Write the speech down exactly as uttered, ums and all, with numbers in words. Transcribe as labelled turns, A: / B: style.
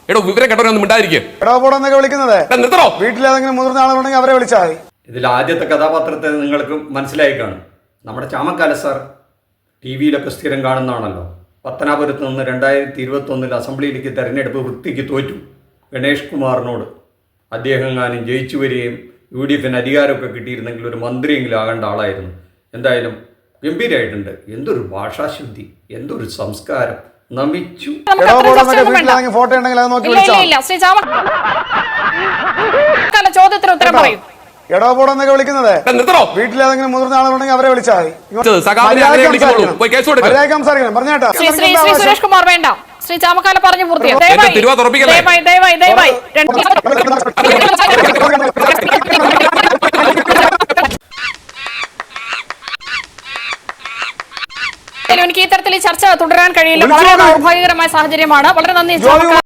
A: എടോ വിവരം കേട്ടവരൊന്നും മിണ്ടായിരിക്കും.
B: എടോ പോടൊന്നൊക്കെ വിളിക്കുന്നത് വീട്ടിലേതെങ്കിലും മുതിർന്ന ആളുണ്ടെങ്കിൽ അവരെ വിളിച്ചാൽ മതി.
C: ഇതിൽ ആദ്യത്തെ കഥാപാത്രത്തെ നിങ്ങൾക്ക് മനസ്സിലായി കാണും. നമ്മുടെ ചാമക്കാല സാർ ടി വിയിലൊക്കെ സ്ഥിരം കാണുന്നതാണല്ലോ. പത്തനാപുരത്ത് നിന്ന് രണ്ടായിരത്തി ഇരുപത്തി ഒന്നിൽ അസംബ്ലിയിലേക്ക് തെരഞ്ഞെടുപ്പ് വൃത്തിക്ക് തോറ്റു ഗണേഷ് കുമാറിനോട്. അദ്ദേഹം എങ്ങാനും ജയിച്ചു വരികയും യു ഡി എഫിന് അധികാരമൊക്കെ കിട്ടിയിരുന്നെങ്കിൽ ഒരു മന്ത്രിയെങ്കിലും ആകേണ്ട ആളായിരുന്നു. എന്തായാലും ഗംഭീരമായിട്ടുണ്ട്. എന്തൊരു ഭാഷാശുദ്ധി, എന്തൊരു സംസ്കാരം. നമിച്ചു.
B: ഫോട്ടോ ഉണ്ടെങ്കിൽ അത് നോക്കി
D: ചോദ്യത്തിന് ഉത്തരം പറയും.
B: എടോ പോടൊന്നൊക്കെ വിളിക്കുന്നത് വീട്ടിലേതെങ്കിലും മുതിർന്ന ആളുണ്ടെങ്കിൽ അവരെ വിളിച്ചാൽ മതി. പറഞ്ഞേട്ടാ
D: ശ്രീ സുരേഷ് കുമാർ വേണ്ട. ശ്രീ ചാമക്കാല പറഞ്ഞു പൂർത്തിയായി. എനിക്ക് ഈ തരത്തിൽ ഈ ചർച്ച തുടരാൻ കഴിയില്ല. വളരെ ദൗർഭാഗ്യകരമായ സാഹചര്യമാണ്. വളരെ നന്ദി.